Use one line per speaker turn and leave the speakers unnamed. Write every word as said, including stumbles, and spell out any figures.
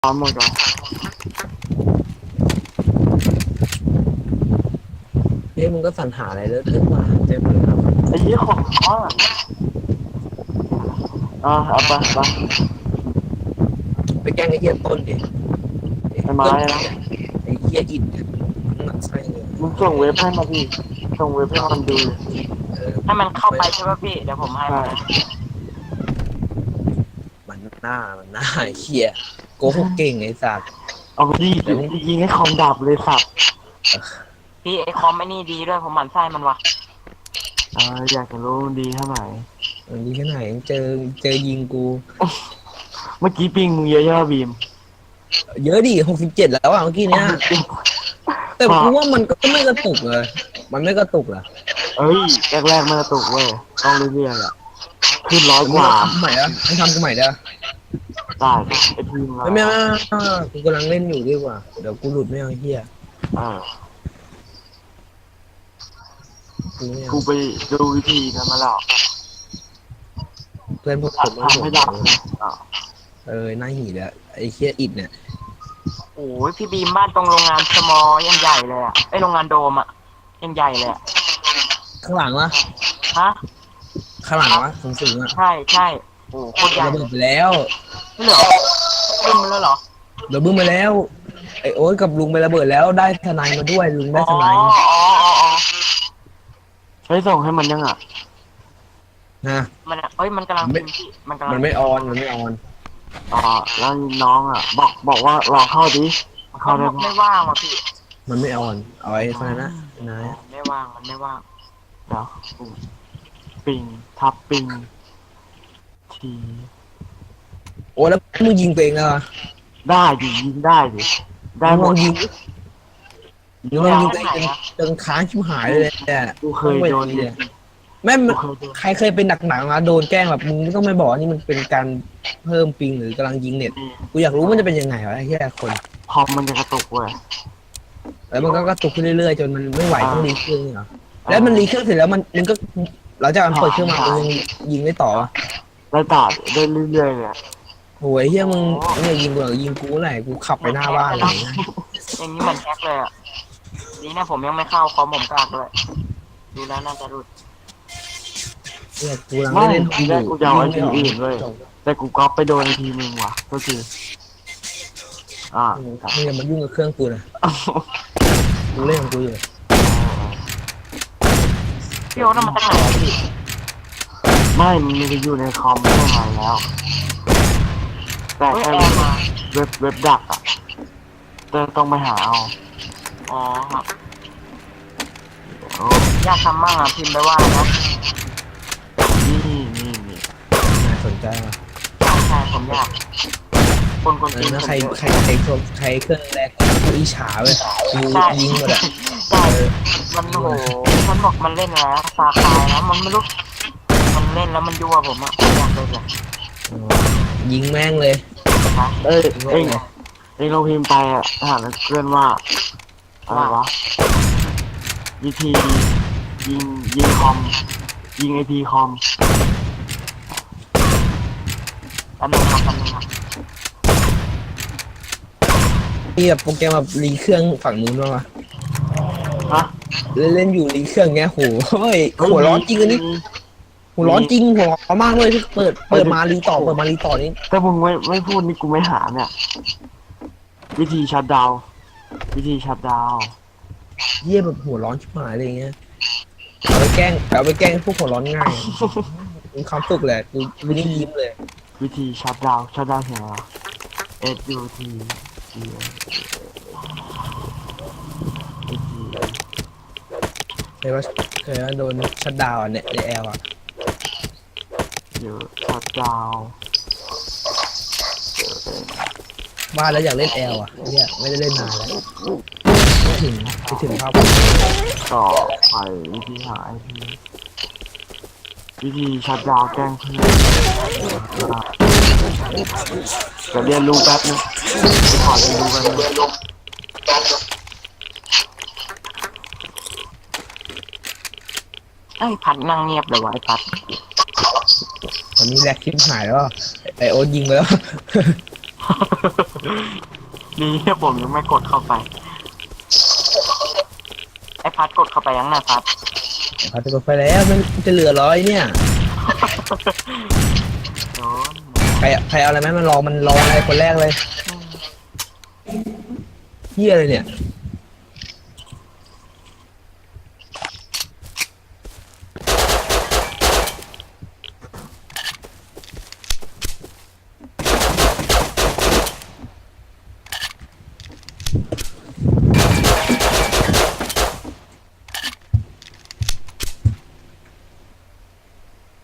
พร้อมหมดก่อน
เฮ้ยมึงก็สรรหาอะไรเลิกเลิกมาเต็มเลยครับ
ไอ้ยี่ของข้างอ่ะเอาไปไป
ไปแกล้งไอ้เหี้ยต้นดิไอ้
ไอ้ไม้
ต้น
นะ
ไอ้เหี้ยอินเนี่ยมันหนักไส้เลย
มึงส่งเว็บให้มาพี่ส่งเว็บให้มันดูเลย
เออ
ให้มันเข้าไปใช่ป่ะพี่เดี๋ยวผมให้
ใช่
มันนะ
มันหน้ามันหน้าไอ้เหี้ยโกหกเก่งไอ้สัตว์
เอาไปดิเดี๋ยวยิงให้คอมดับเลยสัตว์
พี่ไอคอมไม่นี่ดีด้วยผมหมั่นไส้มันวะ
อ่าอยากจะรู้มันดีเท่าไหร่
มันดีแค่ไหนเจอเจอยิงกู
เมื่อกี้ปิงมึงเยอะใช่ไหมบีม
เยอะดิหกสิบเจ็ดแล้วอ่ะเมื่อกี้เนี้ยแต่กูว่ามันก็ไม่กระตุกเลยมันไม่กระตุกเหรอ
เอ้ยแรกๆมันกระตุกเว้ยต้องเรื่อยๆอ่ะขึ้นร้อยกว่า
ทำใหม่แล้วให้ทำกูใหม่ได้
ได้ไอ้ทีมเรา
ไม่ไม่กูกำลังเล่นอยู่ดีกว่าเดี๋ยวกูหลุดไม่เอาเหี้ย
เออ
กูไม่เอา
กูไปดูวิธีกันมาแล้ว
เพื่อนพวกผม
ทำให้ดับอ่ะ
เออหน้าหีเลยไอ้เคียอิดเนี่ย
โอ้ยพี่บีมบ้านตรงโรงงานสมอยังใหญ่เลยอ่ะไอโรงงานโดมอ่ะยังใหญ่เลยอ่ะ
ข้างหลังวะ
ฮะ
ข้างหลังวะสูงสูงอ่ะ
ใช่ใช่โอ้โคตรใหญ่
ระเบิดไปแล้ว
ไม่เหรอบึ้มแล้วเหรอ
ระเบิดมาแล้วไอ้โอ๊ตกับลุงไประเบิดแล้วได้ทนายมาด้วยลุงได้
อ๋อ
ทนาย
อ๋ออ๋ออ๋อ
ใช้ส่งให้มันยังอ่ะ
นะ
มันอะเอ้ยมันกำลังพิมพ์พี่มันกำลัง
มันไม่ออนมันไม่ออน
อ๋อแล้วน้องอ่ะบอกบอกว่าลองเข้าดิเข้าได้ปะ
ไม่ว่างว่ะพี่
มันไม่ออนเอาไว้เท่านั้นนะนาย
ไม่ว่างมันไม่ว่าง
เดี๋ยวปิงทับปิงที
โอ้แล้วมึงยิงตัวเองเหรอ
ได้ดิยิงได้ดิได้หม
ลอ
ด
งยิงมึงลองยิงตัวเองจนจนค้างชิบหายเลยเนี่ย
กูเคยโดน
เลยแม่ใครเคยเป็นหนักหนังมาโดนแกล้งแบบมึงไม่ต้องไม่บอกนี่มันเป็นการเพิ่มปิงหรือกำลังยิงเน็ตกูอยากรู้มันจะเป็นยังไงวะไอ้แค่คน
คอมมันจะกระตุกเว้ย
แล้วมันก็กระตุกขึ้นเรื่อยๆจนมันไม่ไหวต้องรีเครื่องเหรอแล้วมันรีเครื่องเสร็จแล้วมันมันก็หลังจากมันเปิดเครื่องมามันยังยิงได้ต่อวะ
ได้ตัดได้เรื่อยๆเลย
โอ้ยเฮียมึงเนี่ยยิงกูเหรอยิงกูไหนกูขับไปหน้าบ้านเลยนะ
อย่างนี้มันแฮกเลยอ่ะดีนะผมยังไม่เข้าคอมผมกากเลยดูแล้วน่าจะรุด
เนี่ยกูกำลัง
ไม่
เล่น
ทีแรกกูจะเอาไอทีอื่นเลยแต่กูก๊อปไปโดนไอทีมึงว่ะก็คืออ่า
มึงอย่ามายุ่งกับเครื่องกูนะกูเล่นของกูอยู่
พี่โอ๊ตมันตั้งไหนอะพี่
ไม่มันจะอยู่ในคอมไม่ได้มาแล้ว แต่
เฮ้ย
แค่
แอร์มา
เว็บเว็บดักอ่ะแต่ต้องไปหาเอา
อ๋อครับ
โอ้
อยากทำมั่งอ่ะพิมพ์ไปว่านะ
นี่นี่นี่
น่าสนใจว่ะ
ใช่ใช่ผมอยากคนคน
เอ
จี
อน นะใคร
ผมเยอะ
ใครใครเครื่องใครเครื่องแรกกูอิจฉาเว้ยกูยิงหมดอ่ะ
ใช่มันโหมันบอกมันเล่นแล้วฟาคายแล้วมันไม่รู้มันเล่นแล้วมันยั่วผมอ่ะผมอยากเล่นเลย
ยิงแม่งเลย
นะ
เอ้ยเอ้ยเอ้ยเราพิมพ์ไปอ่ะถามเพื่อนว่าอะไรวะวิธียิงยิงคอมยิงไอพีคอม
อันนึงครับอันนึงครับ
มีแบบโปรแกรมแบบรีเครื่องฝั่งนู้นบ้างวะ
ฮะ
เล่นเล่นอยู่รีเครื่องเงี้ยโหเฮ้ยหัวร้อนจริงอันนี้หัวร้อนจริงหัวร้อนมากเลยที่เปิดเปิดมารีต่อเปิดมารีต่อนี่
ถ้ามึงไม่ไม่พูดนี่กูไม่หาเนี่ย วิธีชัดดาวน์วิธีชัดดาวน์
เยี่ยแบบหัวร้อนชิบหายอะไรเงี้ยเอาไปแกล้งเอาไปแกล้งพวกหัวร้อนง่ายมีความสุขแหละกูไม่ได้ยิ้มเลย
วิธีชัดดาวน์ชัดดาวน์เห็นไหม S U T E
เคยว่าเคยว่าโดนชัดดาวน์เนี่ยในแอลอ่ะ
เดี๋ยวชัดดาวน์
บ้านแล้วอยากเล่นแอลอ่ะเนี่ยไม่ได้เล่นนานแล้วไม่ถึงไม่ถึงภาพ
ต่อไปวิธีหาไอพีวิธีชัดดาวน์แกล้งเพื่อนจะเรียนรู้แป๊บนึงไปขอเรียนรู้แป๊บนึง
ไอ้พัดนั่งเงียบเลยวะไอ้พัด
ตอนนี้แลกคลิปหายแล้วไอโอ๊ตยิงไปแล้ว
ฮ
นี่ผมยังไม่กดเข้าไป
ไอ้พัดกดเข้าไปยังนะพัด
พัดจะกดไปแล้วมันจะเหลือร้อยเนี่ย
โดน
ใครใครเอาอะไรไหมมันรอมันรออะไรคนแรกเลยเฮียอะไรเนี่ย